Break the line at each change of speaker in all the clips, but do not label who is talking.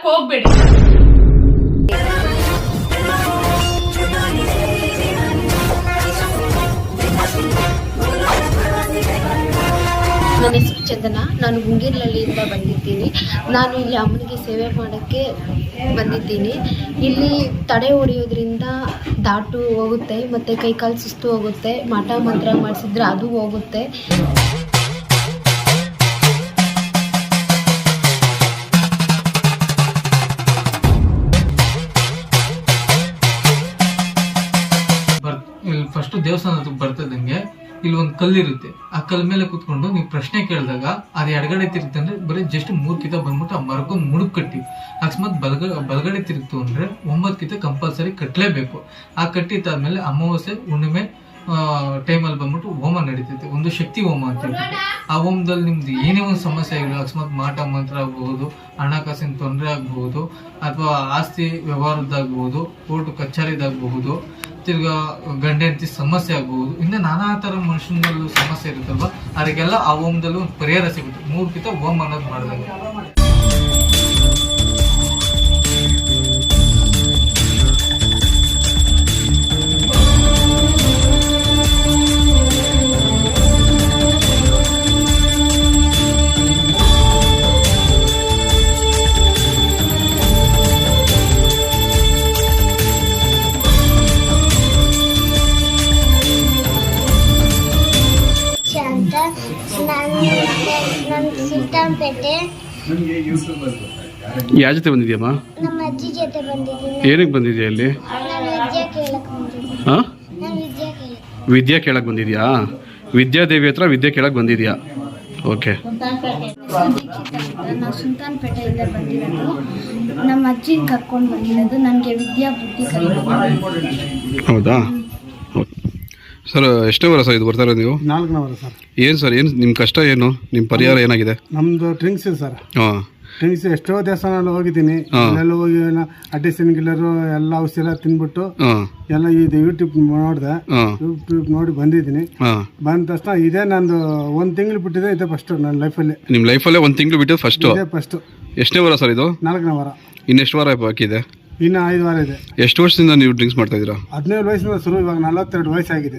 ಮಾಡಕ್ ಹೋಗ್ಬೇಡಿ.
ನನ್ನ ಹೆಸರು ಚಂದನ. ನಾನು ಗುಂಗಿರ್ಲಹಳ್ಳಿಯಿಂದ ಬಂದಿದ್ದೀನಿ. ನಾನು ಇಲ್ಲಿ ಅಮ್ಮನಿಗೆ ಸೇವೆ ಮಾಡೋಕ್ಕೆ ಬಂದಿದ್ದೀನಿ. ಇಲ್ಲಿ ತಡೆ ಹೊಡೆಯೋದ್ರಿಂದ ದಾಟು ಹೋಗುತ್ತೆ ಮತ್ತು ಕೈಕಾಲು ಸುಸ್ತು ಹೋಗುತ್ತೆ. ಮಠ ಮಂತ್ರ ಮಾಡಿಸಿದ್ರೆ ಅದು ಹೋಗುತ್ತೆ.
ಫಸ್ಟ್ ದೇವಸ್ಥಾನ ಬರ್ತದಂಗೆ ಇಲ್ಲಿ ಒಂದು ಕಲ್ಲಿರುತ್ತೆ. ಆ ಕಲ್ ಮೇಲೆ ಕುತ್ಕೊಂಡು ನೀವು ಪ್ರಶ್ನೆ ಕೇಳಿದಾಗ ಅದು ಎಡಗಡೆ ತಿರುಗ್ತು ಅಂದ್ರೆ ಬರೀ ಜಸ್ಟ್ 3 ಕಿತ ಬಂದ್ಬಿಟ್ಟು ಆ ಮರಗೂ ಮುಡುಕ್ ಕಟ್ಟಿ, ಅಕಸ್ಮಾತ್ ಬಲಗಡೆ ತಿರುಗ್ತು ಅಂದ್ರೆ 9 ಕಿತ ಕಂಪಲ್ಸರಿ ಕಟ್ಟಲೇಬೇಕು. ಆ ಕಟ್ಟಿದ್ದಾದ್ಮೇಲೆ ಅಮಾವಾಸ್ಯೆ ಹುಣ್ಣಿಮೆ ಟೈಮಲ್ಲಿ ಬಂದ್ಬಿಟ್ಟು ಹೋಮ ನಡೀತೈತೆ, ಒಂದು ಶಕ್ತಿ ಹೋಮ ಅಂತ ಹೇಳ್ಬಿಟ್ಟು. ಆ ಹೋಮದಲ್ಲಿ ನಿಮ್ದು ಏನೇ ಒಂದು ಸಮಸ್ಯೆ ಆಗಿಲ್ಲ, ಅಕಸ್ಮಾತ್ ಮಾಟ ಮಂತ್ರ ಆಗಬಹುದು, ಹಣಕಾಸಿನ ತೊಂದರೆ ಆಗಬಹುದು, ಅಥವಾ ಆಸ್ತಿ ವ್ಯವಹಾರದ್ದಾಗಬಹುದು, ಕೋರ್ಟ್ ಕಚೇರಿದಾಗಬಹುದು, ತಿರ್ಗಾ ಗಂಡ ಹೆಂಡತಿ ಸಮಸ್ಯೆ ಆಗಬಹುದು, ಇನ್ನು ನಾನಾ ತರ ಮನುಷ್ಯನಲ್ಲೂ ಸಮಸ್ಯೆ ಇರುತ್ತಲ್ವಾ, ಅದಕ್ಕೆಲ್ಲ ಆ ಹೋಮದಲ್ಲಿ ಒಂದು ಪರಿಹಾರ ಸಿಗುತ್ತೆ. 3 ಕಿತ ಹೋಮ ಅನ್ನೋದು ಮಾಡಿದಾಗ
ಯಾವ ಜೊತೆ ಬಂದಿದ್ಯಮ್ಮ?
ನಮ್ಮ ಅಜ್ಜಿ ಜೊತೆ ಬಂದಿದ್ದೀನಿ.
ಏನಕ್ಕೆ ಬಂದಿದ್ಯಾ ಇಲ್ಲಿ? ಹಾಂ, ವಿದ್ಯಾ ಕೇಳಕ್ಕೆ ಬಂದಿದ್ಯಾ? ವಿದ್ಯಾದೇವಿ ಹತ್ರ ವಿದ್ಯೆ ಕೇಳಕ್ಕೆ ಬಂದಿದ್ಯಾ? ಓಕೆ.
ನಾವು ಸುಲ್ತಾನ್ಪೇಟೆಯಿಂದ ಬಂದಿರೋದು. ನಮ್ಮ ಅಜ್ಜಿ ಕರ್ಕೊಂಡು ಬಂದಿರೋದು. ನನಗೆ ವಿದ್ಯಾ ಬುದ್ಧಿ ಕಲಿಯೋದು.
ಹೌದಾ? ಸರ್ ಎಷ್ಟೇ ವರ ಸರ್ ಇದು ಬರ್ತಾರೆ ನೀವು?
4ನೇ ವಾರ ಸರ್.
ಏನು ಸರ್, ಏನು ನಿಮ್ಮ ಕಷ್ಟ, ಏನು ನಿಮ್ಮ ಪರಿಹಾರ ಏನಾಗಿದೆ?
ನಮ್ಮದು ಡ್ರಿಂಕ್ಸ್ ಸರ್.
ಹಾಂ,
ಡ್ರಿಂಕ್ಸ್ ಎಷ್ಟೋ ದೇವಸ್ಥಾನ ಹೋಗಿದ್ದೀನಿ. ಅಲ್ಲೆಲ್ಲ ಹೋಗಿ ಅಡ್ಡಿಸಿನ್ ಗಿಲ್ಲರು ಎಲ್ಲ ಔಷಧಿ ಎಲ್ಲ ತಿನ್ಬಿಟ್ಟು ಎಲ್ಲ ಇದು ಯೂಟ್ಯೂಬ್ ನೋಡಿದೆ. ಯೂಟ್ಯೂಬ್ ನೋಡಿ ಬಂದಿದ್ದೀನಿ. ಬಂದ ತಕ್ಷಣ ಇದೇ ನಂದು 1 ತಿಂಗಳು ಬಿಟ್ಟಿದೆ. ಇದೆ ಫಸ್ಟ್ ನನ್ನ ಲೈಫಲ್ಲಿ.
ನಿಮ್ಮ ಲೈಫಲ್ಲೇ 1 ತಿಂಗಳು ಬಿಟ್ಟು ಫಸ್ಟು?
ಇದೇ ಫಸ್ಟು.
ಎಷ್ಟನೇ ವಾರ ಸರ್ ಇದು?
4ನೇ ವಾರ.
ಇನ್ನೆಷ್ಟು ವಾರ ಬಾಕಿ ಇದೆ?
ಇನ್ನು 5 ವಾರ ಇದೆ.
ಎಷ್ಟು ವರ್ಷದಿಂದ ನೀವು ಡ್ರಿಂಕ್ಸ್ ಮಾಡ್ತಾ ಇದ್ದೀರಾ?
17 ವಯಸ್ಸಿಂದ ಶುರು. ಇವಾಗ 42 ವಯಸ್ಸಾಗಿದೆ.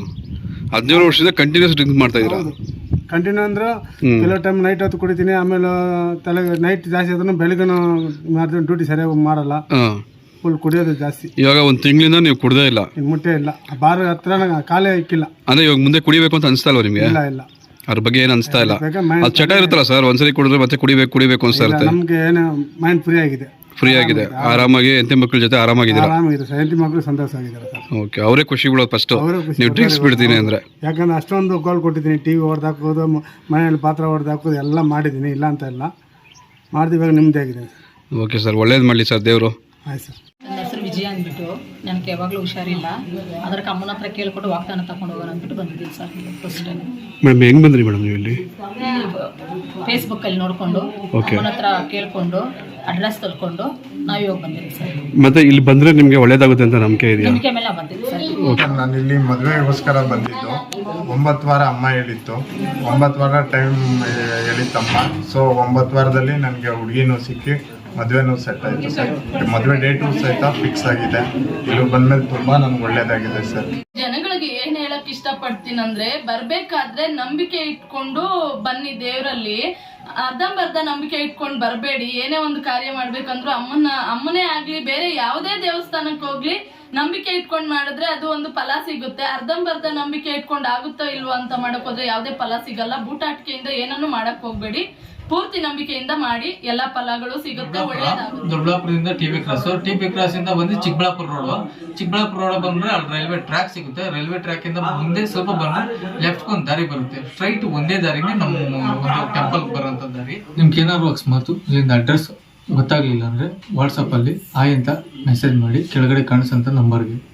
17 ವರ್ಷದಿಂದ ಕಂಟಿನ್ಯೂಸ್ ಡ್ರಿಂಕ್ಸ್ ಮಾಡ್ತಾ ಇದ್ದೀರಾ?
ಕಂಟಿನ್ಯೂ ಅಂದ್ರೆ ಕೆಲವು ಟೈಮ್ ನೈಟ್ ಹೊತ್ತು ಕುಡಿತೀನಿ. ಆಮೇಲೆ ತಲೆ ನೈಟ್ ಜಾಸ್ತಿ ಆದ್ರೂ ಬೆಳಗ್ಗೆ ಡ್ಯೂಟಿ ಸರಿಯಾಗಿ ಮಾಡಲ್ಲ. ಫುಲ್ ಕುಡಿಯೋದು ಜಾಸ್ತಿ.
ಇವಾಗ 1 ತಿಂಗಳಿಂದ ನೀವು ಕುಡ್ದೇ ಇಲ್ಲ?
ಮುಟ್ಟೆ ಇಲ್ಲ. ಬಾರ್ ಹತ್ರ ಕಾಲೇ ಇಕ್ಕಿಲ್ಲ.
ಅಂದ್ರೆ ಇವಾಗ ಮುಂದೆ ಕುಡಿಬೇಕು ಅಂತ ಅನಿಸ್ತಾ ಇಲ್ವಾ ನಿಮ್ಗೆ?
ಇಲ್ಲ ಇಲ್ಲ,
ಅದ್ರ ಬಗ್ಗೆ ಏನು ಅನಿಸ್ತಾ ಇಲ್ಲ? ಅದು ಚಟ ಇರುತ್ತಲ್ಲ ಸರ್, ಒಂದ್ಸರಿ ಕುಡಿದ್ರೆ ಮತ್ತೆ ಕುಡಿಬೇಕು ಅನಿಸ್ತಾ ಇರುತ್ತೆ.
ನಮ್ಗೆ ಏನು ಮೈಂಡ್ ಫ್ರೀ ಆಗಿದೆ.
ಫ್ರೀ ಆಗಿದೆ, ಆರಾಮಾಗಿ ಹೆಂಡತಿ ಮಕ್ಕಳ ಜೊತೆ ಆರಾಮಾಗಿದ್ದೀರಾ?
ಆರಾಮಾಗಿದೆ ಸರ್. ಹೆಂಡತಿ ಮಕ್ಕಳು ಸಂತೋಷ ಆಗಿದ್ದಾರೆ ಸರ್.
ಓಕೆ, ಅವರೇ ಖುಷಿ ಬಿಡೋದು ಫಸ್ಟ್ ನೀವು ಡ್ರಿಂಕ್ಸ್ ಬಿಡ್ತೀನಿ ಅಂದ್ರೆ.
ಯಾಕಂದ್ರೆ ಅಷ್ಟೊಂದು ಗೋಲ್ ಕೊಟ್ಟಿದ್ದೀನಿ. ಟಿವಿ ಹೊಡೆದಾಕೋದು, ಮನೆಯಲ್ಲಿ ಪಾತ್ರ ಹೊಡೆದಾಕೋದು ಎಲ್ಲ ಮಾಡಿದ್ದೀನಿ. ಇಲ್ಲ ಅಂತ ಇಲ್ಲ, ಮಾಡಿದ ಇವಾಗ ನಿಮ್ಮದೇ ಆಗಿದೆ.
ಓಕೆ ಸರ್, ಒಳ್ಳೇದು ಮಾಡಲಿ ಸರ್ ದೇವರು.
ಆಯ್ತು ಸರ್.
ನನ್ನ ಹೆಸರು ವಿಜಯ ಅಂದ್ಬಿಟ್ಟು. ನನಗೆ ಯಾವಾಗಲೂ ಹುಷಾರಿಲ್ಲ. ಅದಕ್ಕೆ ಅಮ್ಮನ ಹತ್ರ ಕೇಳ್ಕೊಂಡು ವಾಗ್ದಾನ ತಗೊಂಡು ಹೋಗೋಣ ಅಂದ್ಬಿಟ್ಟು ಬಂದಿದ್ದೀನಿ ಸರ್. First time.
ಮೇಡಮ್ ಹೆಂಗೆ ಬಂದ್ರಿ ಮೇಡಮ್ ನೀವು ಇಲ್ಲಿ?
ಫೇಸ್ಬುಕ್ಕಲ್ಲಿ ನೋಡಿಕೊಂಡು ಅಮ್ಮನ ಹತ್ರ ಕೇಳಿಕೊಂಡು ಅಡ್ರೆಸ್ ತಿಳ್ಕೊಂಡು ನಾವು ಇವಾಗ ಬಂದಿದ್ದೀವಿ ಸರ್.
ಮತ್ತೆ ಇಲ್ಲಿ ಬಂದರೆ ನಿಮಗೆ ಒಳ್ಳೇದಾಗುತ್ತೆ ಅಂತ ನಂಬಿಕೆ ಇದೆಯಾ?
ನಂಬಿಕೆ ಮೇಲೆ ಬಂದಿದ್ದೀವಿ ಸರ್.
ನಾನು ಇಲ್ಲಿ ಮದುವೆಗೋಸ್ಕರ ಬಂದಿದ್ದು. 9 ವಾರ ಅಮ್ಮ ಹೇಳಿತ್ತು. 9 ವಾರ ಟೈಮ್ ಹೇಳಿತ್ತಮ್ಮ. ಸೊ 9 ವಾರದಲ್ಲಿ ನನಗೆ ಹುಡುಗಿನೂ ಸಿಕ್ಕಿ ಮದುವೆನೂ ಸೆಟ್ ಆಯಿತು ಸರ್. ಮದುವೆ ಡೇಟು ಸಹಿತ ಫಿಕ್ಸ್ ಆಗಿದೆ. ಇಲ್ಲಿ ಬಂದ್ಮೇಲೆ ತುಂಬಾ ನನ್ಗೆ ಒಳ್ಳೇದಾಗಿದೆ ಸರ್.
ಜನಗಳಿಗೆ ಏನ್ ಹೇಳಕ್ ಇಷ್ಟಪಡ್ತೀನಂದ್ರೆ, ಬರ್ಬೇಕಾದ್ರೆ ನಂಬಿಕೆ ಇಟ್ಕೊಂಡು ಬನ್ನಿ ದೇವರಲ್ಲಿ. ಅರ್ಧಂಬರ್ಧ ನಂಬಿಕೆ ಇಟ್ಕೊಂಡು ಬರಬೇಡಿ. ಏನೇ ಒಂದು ಕಾರ್ಯ ಮಾಡ್ಬೇಕಂದ್ರೂ ಅಮ್ಮನೇ ಆಗ್ಲಿ, ಬೇರೆ ಯಾವುದೇ ದೇವಸ್ಥಾನಕ್ಕೆ ಹೋಗ್ಲಿ, ನಂಬಿಕೆ ಇಟ್ಕೊಂಡು ಮಾಡಿದ್ರೆ ಅದು ಒಂದು ಫಲ ಸಿಗುತ್ತೆ. ಅರ್ಧಂಬರ್ಧ ನಂಬಿಕೆ ಇಟ್ಕೊಂಡು ಆಗುತ್ತೋ ಇಲ್ವೋ ಅಂತ ಮಾಡಕ್ ಹೋದ್ರೆ ಯಾವುದೇ ಫಲ ಸಿಗಲ್ಲ. ಬೂಟಾಟಿಕೆಯಿಂದ ಏನನ್ನು ಮಾಡಕ್ ಹೋಗ್ಬೇಡಿ. ಪೂರ್ತಿ ನಂಬಿಕೆಯಿಂದ ಮಾಡಿ, ಎಲ್ಲಾ ಫಲಗಳು ಸಿಗುತ್ತೆ, ಒಳ್ಳೇದಾಗುತ್ತೆ.
ದೊಡ್ಡಬಳ್ಳಾಪುರದಿಂದ ಟಿಬಿ ಕ್ರಾಸ್ ಇಂದ ಬಂದು ಚಿಕ್ಕಬಳ್ಳಾಪುರ ರೋಡ್ ಬಂದ್ರೆ ಅಲ್ಲಿ ರೈಲ್ವೆ ಟ್ರ್ಯಾಕ್ ಸಿಗುತ್ತೆ. ರೈಲ್ವೆ ಟ್ರ್ಯಾಕ್ ಇಂದ ಮುಂದೆ ಸ್ವಲ್ಪ ಬಂದ್ರೆ ಲೆಫ್ಟ್ ಒಂದು ದಾರಿ ಬರುತ್ತೆ. ಸ್ಟ್ರೈಟ್ ಒಂದೇ ದಾರಿಗೆ ನಮ್ಮ ಒಂದು ಟೆಂಪಲ್ ಬರೋಂಥ ದಾರಿ. ನಿಮ್ಗೆ ಏನಾದ್ರು ಅಕಸ್ಮಾತ್ ಇಲ್ಲಿಂದ ಅಡ್ರೆಸ್ ಗೊತ್ತಾಗ್ಲಿಲ್ಲ ಅಂದ್ರೆ ವಾಟ್ಸಪ್ ಅಲ್ಲಿ ಆಯ್ ಅಂತ ಮೆಸೇಜ್ ಮಾಡಿ, ಕೆಳಗಡೆ ಕಾಣಿಸೋಂಥ ನಂಬರ್ಗೆ